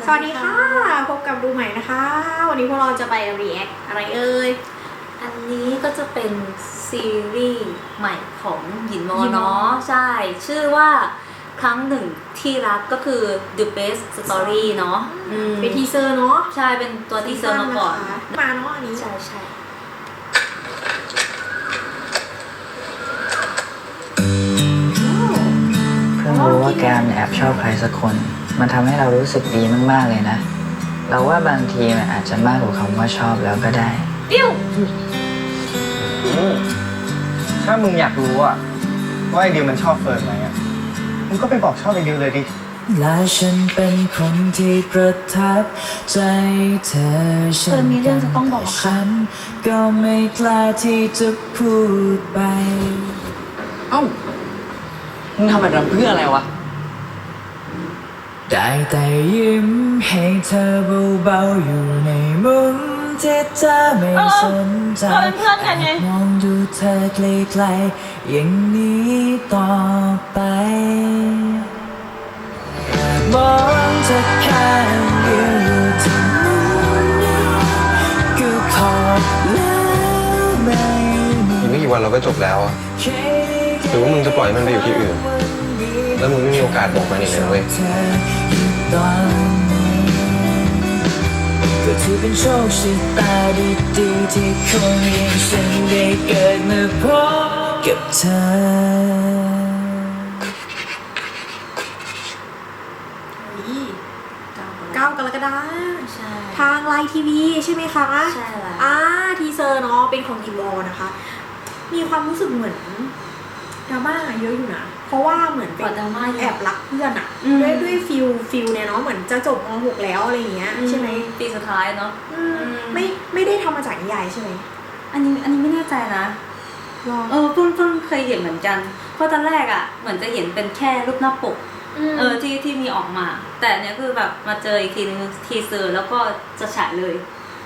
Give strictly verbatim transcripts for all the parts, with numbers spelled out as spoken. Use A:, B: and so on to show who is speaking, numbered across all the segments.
A: สวัสดีค่ะพบกับดูใหม่นะคะวันนี้พวกเราจะไป react อะไรเอ่ย
B: อันนี้ก็จะเป็นซีรีส์ใหม่ของหยินวอเนาะใช่ชื่อว่าครั้งหนึ่งที่รักก็คือ The Best Story เนาะ
A: เป็นทีเซอร์เนาะ
B: ใช่เป็นตัวทีเซอร์มาก่อน
A: มาเนาะอันนี้
B: ใช่ใช่
C: เพิ่งรู้ว่าแกมแอบชอบใครสักคนมันทำให้เรารู้สึกดีมากๆเลยนะเราว่าบางทีมันอาจจะมากกว่าคำว่าชอบแล้วก็ได้
B: ปิ้ว
D: ถ้ามึงอยากรู้อะว่าไอเดียมันชอบเฟิร์นไหมอะมึงก็ไปบอกชอบไอเดียเลยดิ
C: และฉันเป็นคนที่ประทับใจเธอฉันกันแต่ฉันก็ไม่กล้าที่จะพูดไปเอ้ามึงทำแบบนั้นเพื่ออะไรวะได้แต่ยิ้มให้เธอเบาๆอยู่ในมุมที่เธอไม่สนใจมองดูเธอไกลๆอย่างนี้ต่อไปมองเธอแค่เดียวอยู่ที่มุมนี้ก็พอแล้วไม่มี
D: อีกไม่กี่วันเราก็จบแล้วอะหรือว่ามึงจะปล่อยมันไปอยู่ที่อื่นแล้วมึงไม่มีโอกาสบอกมันอีกเลยเว้ย
C: ก็ถือเป็นโชคชะตาดีๆที่คนอย่างฉันได้เกิดมาพบกับเธอ
A: เก้ากรกฎาคมทางไลน์ทีวีใช่ไหมคะ
B: ใช่แล้ว
A: อ่าทีเซอร์เนาะเป็นของยิมวอนะคะมีความรู้สึกเหมือนดราม่าเยอะอยู่นะเพราะว่าเหมือนเป็นแอบรักเพื่อนอะด้วยด้วยฟิลฟิลเนี่ยเนาะเหมือนจะจบม หกแล้วอะไรอย่างเงี้ยใช่ไหม
B: ปีสุดท้ายเนาะ
A: ไม่ไม่ได้ทำมาจากนิยายใช่ไหม
B: อันนี้อันนี้ไม่แน่ใจนะเออเพิ่งเพิ่งเคยเห็นเหมือนกันเพราะตอนแรกอะเหมือนจะเห็นเป็นแค่รูปหน้าปกเออที่ที่มีออกมาแต่เนี้ยคือแบบมาเจออีกทีนึงทีเซอร์แล้วก็จะฉายเลย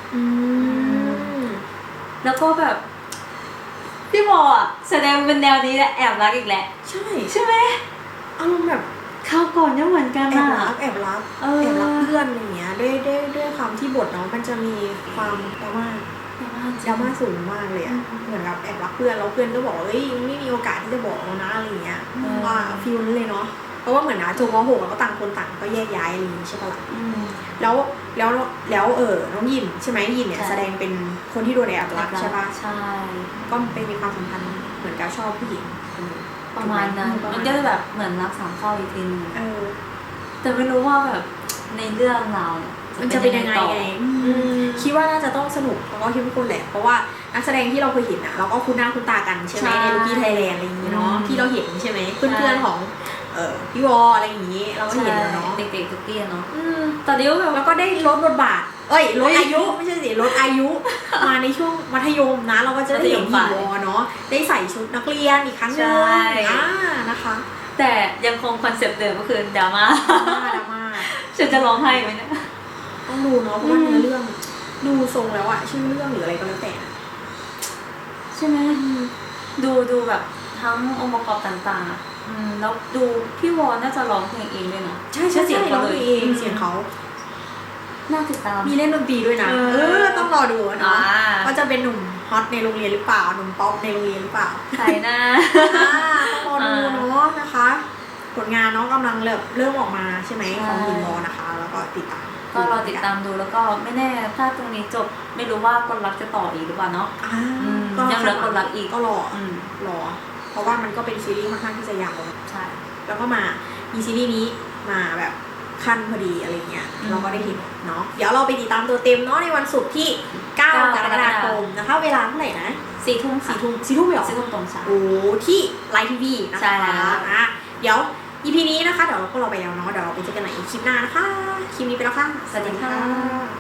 B: แล้วก็แบบพี่บออะแสดงเป็นแนวนี้แหละแอบรักอีกแหละ
A: ใช่
B: ใช่ไหม
A: อารมณ์แบบ
B: ข้าวก่อนเนี่ยเหมือนกัน
A: แอบรักแอบรักแอบรักเพื่อนอย่างเงี้ยด้วยด้วยด้วยความที่บทเนาะมันจะมีความดราม่าดราม่าสูงมากเลยอะเหมือนกับแอบรักเพื่อนแล้วเพื่อนก็บอกว่าเฮ้ยไม่มีโอกาสที่จะบอกแล้วนะอะไรเงี้ยว่าฟิลนั้นเลยเนาะเพราะว่าเหมือนนะจบม หกแล้วก็ต่างคนต่างก็แยกย้ายอะไรอย่างนี้ใช่ปะล่ะแล้วแล้วแล้วเออน้องยินใช่ไหมยินเนี่ยแสดงเป็นคนที่โดนแอบรักใช่ปะ
B: ใช่
A: ก็เป็นมีความสัมพันธ์เหมือนกับชอบผู้หญิง
B: ประมาณนั้นมันก็แบบเหมือนรักสามข้ออีกทีนึง
A: เออ
B: แต่ไม่รู้ว่าแบบในเรื่องเรา
A: มันจะเป็นยังไงไงคิดว่าน่าจะต้องสนุกแล้วก็เข้มข้นแหละเพราะว่านักแสดงที่เราเคยเห็นอ่ะเราก็คุ้นหน้าคุ้นตากันใช่ไหมในลูกี้ไทยแลนด์อะไรอย่างนี้เนาะที่เราเห็นใช่ไหมเพื่อนๆของเออพี่วออะไรอย่างนี้เราก็เห็นแล้วเนาะ
B: เด็กๆทุกที่เนาะตอนนี้แบบ
A: แล้วก็ได้ลดบทบาทเอ้ยลดอายุไม่ใช่สิลดอายุมาในช่วงมัธยมนะเราก็จะได้เห็นพี่วอเนาะได้ใส่ชุดนักเรียนอีกครั้งหนึ่งอ่านะคะ
B: แต่ยังคงคอนเซปต์เดิมก็คือดราม่า
A: ดราม่า
B: ฉันจะร้องไห้ไหมเนี่ย
A: ต้องดูเนาะเพราะว่าเนื้อเรื่องดูทรงแล้วอะชื่อเรื่องหรืออะไรก็แล้วแต่
B: ใช่ไหมดูดูแบบทั้งองค์ประกอบต่างๆอืมแล้วดูพี่วอนน่าจะร้องเพลงเองด้วยเนาะ
A: ใช่ใช่เสียงเขาเองเสียงเขา
B: น่าติดตาม
A: มีเล่นดนตรีด้วยนะเออต้องรอดูเนาะว่าจะเป็นหนุ่มฮอตในโรงเรียนหรือเปล่าหนุ่มป๊อปในโรงเรียนหรือเปล่า
B: ใครนะ
A: ต้องรอดูเนาะนะคะผลงานเนาะกำลังเริ่มเริ่มออกมาใช่ไหมของยินวอนะคะแล้วก็ติดตาม
B: ก็รอติดตามดูแล้วก็ไม่แน่ถ้าตรงนี้จบไม่รู้ว่าคนรักจะต่ออีกหรือเปล่าเนาะยังเหลือคนรักอีก
A: ก็รอรอเพราะว่ามันก็เป็นซีรีส์ค่อนข้างที่จะยาว
B: ใช่
A: แล้วก็มามีซีรีส์นี้มาแบบขั้นพอดีอะไรเงี้ยเราก็ได้เห็นเนาะเดี๋ยวเราไปติดตามตัวเต็มเนาะในวันศุกร์ที่เก้ากรกฎาคมนะคะเวลาเท่าไหร่นะ
B: สี่ทุ่ม
A: สี่ทุ่มสี่ทุ่มเหรอ
B: สี่ทุ่มตรงเช้า
A: โอ้ที่ไลน์ทีวีนะคะอ่ะเดี๋ยวอีพีนี้นะคะเดี๋ยวเราก็เราไปแล้วเนาะเดี๋ยวเราไปเจอกันใหม่อีกคลิปหน้านะคะคลิปนี้ไปแล้วค่ะ
B: สวัสดีค่ะ